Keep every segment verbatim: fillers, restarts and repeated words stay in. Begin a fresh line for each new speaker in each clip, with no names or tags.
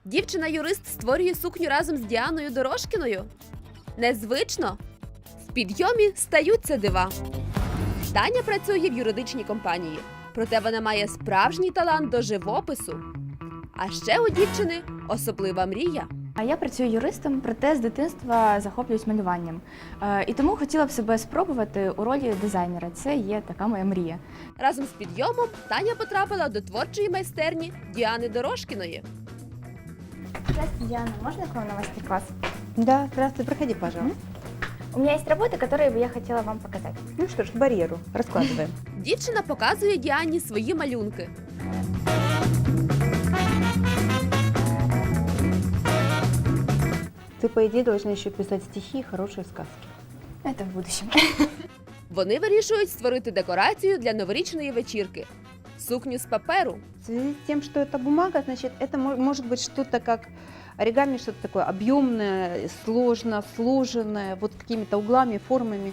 Дівчина-юрист створює сукню разом з Діаною Дорошкіною? Незвично? В підйомі стаються дива. Таня працює в юридичній компанії, проте вона має справжній талант до живопису. А ще у дівчини особлива мрія.
А я працюю юристом, проте з дитинства захоплююсь малюванням. Е, І тому хотіла б себе спробувати у ролі дизайнера. Це є така моя мрія.
Разом з підйомом Таня потрапила до творчої майстерні Діани Дорошкіної.
Здравствуйте, Диана. Можно к вам на мастер-класс?
Да, здравствуй, проходи, пожалуйста.
У меня есть работы, которые бы я хотела вам показать.
Ну что ж, к барьеру. Раскладываем.
Дівчина показує Діані свої малюнки.
Ты, по идее, должна еще писать стихи и хорошие сказки.
Это в будущем.
Вони вирішують створити декорацію для новорічної вечірки – сукню з паперу.
В связи с тем, что это бумага, значит, это мо- может быть что-то как оригами, что-то такое объемное, сложно сложенное, вот какими-то углами, формами.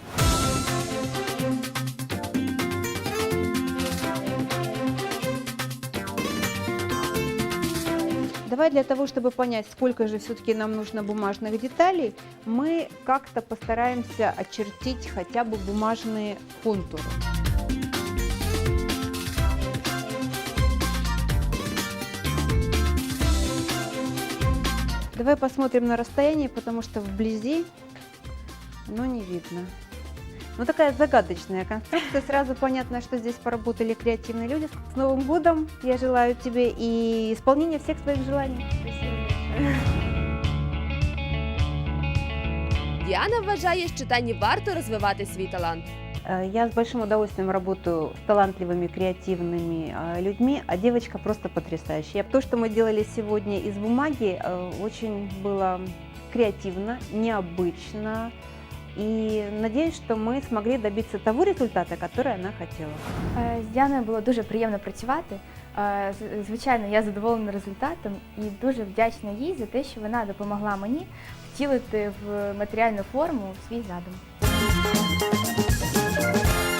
Давай для того, чтобы понять, сколько же все-таки нам нужно бумажных деталей, мы как-то постараемся очертить хотя бы бумажные контуры. Давай посмотрим на расстоянии, потому что вблизи оно не видно. Ну, такая загадочная конструкция. Сразу понятно, что здесь поработали креативные люди. С Новым годом! Я желаю тебе и исполнения всех своих желаний.
Діана вважає, що Тані варто розвивати свій талант.
Э, Я с большим удовольствием работаю с талантливыми, креативными э, людьми, а девочка просто потрясающая. То, что мы делали сегодня из бумаги, э, очень было креативно, необычно. И надеюсь, что мы смогли добиться того результата, который она хотела.
Е, З Діаною було дуже приємно працювати. Е, з- Звичайно, я задоволена результатом і дуже вдячна їй за те, що вона допомогла мені втілити в матеріальну форму свій задум.